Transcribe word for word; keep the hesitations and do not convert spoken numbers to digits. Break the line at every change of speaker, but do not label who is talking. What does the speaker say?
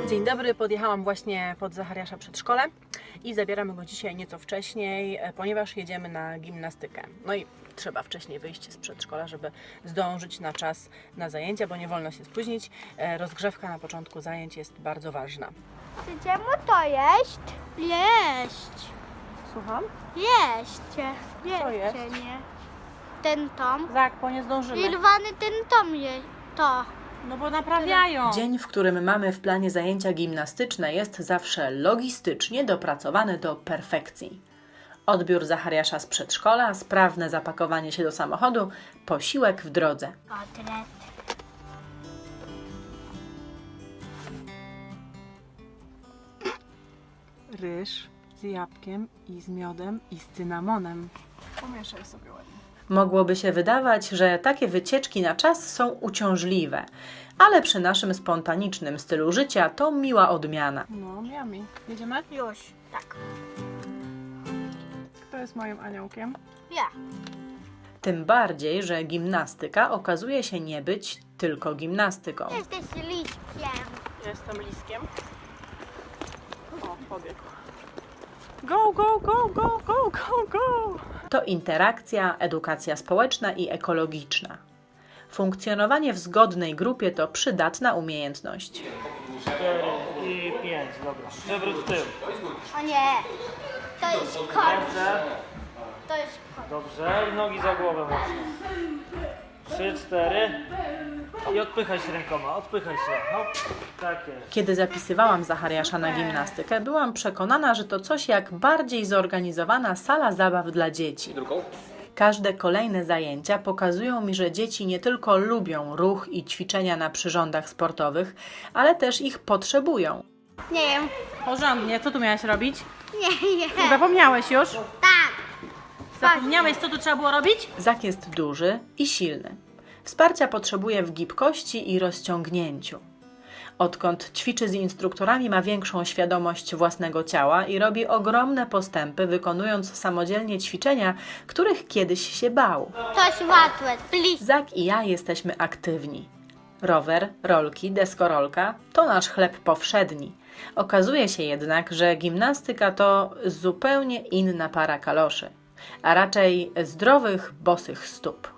Dzień dobry, podjechałam właśnie pod Zachariasza przedszkole i zabieramy go dzisiaj nieco wcześniej, ponieważ jedziemy na gimnastykę. No i trzeba wcześniej wyjść z przedszkola, żeby zdążyć na czas na zajęcia, bo nie wolno się spóźnić. Rozgrzewka na początku zajęć jest bardzo ważna.
Chcecie mu to jeść? Jeść.
Słucham?
Jeść.
Co jeść?
nie? Ten tom.
Zak, bo nie zdążymy.
Irwany ten tom je. To.
No bo naprawiają.
Dzień, w którym mamy w planie zajęcia gimnastyczne, jest zawsze logistycznie dopracowany do perfekcji. Odbiór Zachariasza z przedszkola, sprawne zapakowanie się do samochodu, posiłek w drodze.
Kotlet.
Ryż z jabłkiem i z miodem i z cynamonem. Pomieszaj sobie ładnie.
Mogłoby się wydawać, że takie wycieczki na czas są uciążliwe, ale przy naszym spontanicznym stylu życia to miła odmiana.
No, miami. Jedziemy?
Już. Tak.
Kto jest moim aniołkiem?
Ja.
Tym bardziej, że gimnastyka okazuje się nie być tylko gimnastyką.
Jesteś liśkiem.
Jestem liskiem. O, pobiegł. Go, go, go, go, go, go, go!
To interakcja, edukacja społeczna i ekologiczna. Funkcjonowanie w zgodnej grupie to przydatna umiejętność.
cztery i pięć, dobra. Przewrót w tył.
O nie. To jest kot.
Ręce,
To jest kot.
dobrze. I nogi za głowę mocno. trzy, cztery. I odpychaj się rękoma, odpychaj się. Hop. Tak jest.
Kiedy zapisywałam Zachariasza na gimnastykę, byłam przekonana, że to coś jak bardziej zorganizowana sala zabaw dla dzieci. Każde kolejne zajęcia pokazują mi, że dzieci nie tylko lubią ruch i ćwiczenia na przyrządach sportowych, ale też ich potrzebują.
Nie wiem.
Porządnie, co tu miałaś robić?
Nie, nie.
Zapomniałeś już?
Tak.
Zapomniałeś, co tu trzeba było robić?
Zak jest duży i silny. Wsparcia potrzebuje w gibkości i rozciągnięciu. Odkąd ćwiczy z instruktorami, ma większą świadomość własnego ciała i robi ogromne postępy, wykonując samodzielnie ćwiczenia, których kiedyś się bał.
To jest łatwe. Please.
Zak i ja jesteśmy aktywni. Rower, rolki, deskorolka to nasz chleb powszedni. Okazuje się jednak, że gimnastyka to zupełnie inna para kaloszy, a raczej zdrowych, bosych stóp.